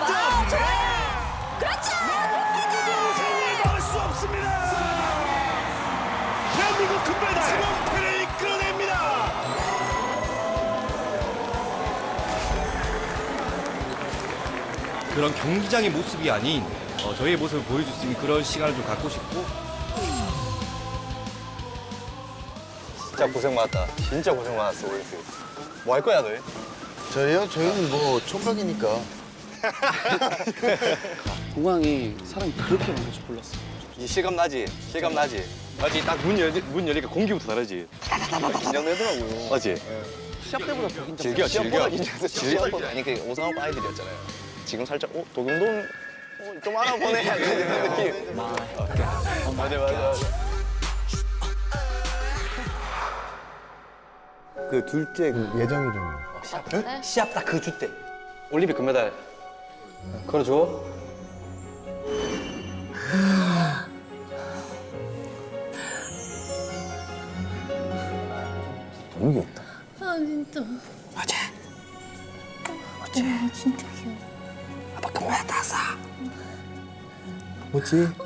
아, 좋아요. 그렇죠. 생을 막을 수 없습니다. 대한민국 금메달 지mon패를 이끌어냅니다. 그런 경기장의 모습이 아닌 저희의 모습을 보여줄 수 있는 그런 시간을 좀 갖고 싶고. 진짜 고생 많았다. 진짜 고생 많았어, 오일스. 뭐 할 거야, 너희? 저희요? 저희는 뭐 총각이니까. 공항이 사람이 그렇게 많을 줄 몰랐어. 이 실감 나지? 실감 나지? 맞지? 딱 문 열리니까 공기부터 다르지? 긴장되더라고요. 맞지? 시합 때보다 더 긴장. 즐겨, 즐겨. 즐겨. 아니, 그 오상업 아이들이었잖아요. 지금 살짝, 도경동 좀 알아보네. 이런 느낌. 맞아, 맞아. 그 둘째 그 예정이 좀. 시합 딱 그 주 때. 올림픽 금메달. 걸어줘. 너무 귀엽다. 아 진짜. 어제 아 진짜 귀여워. 아빠 금메달 땄어. 뭐지?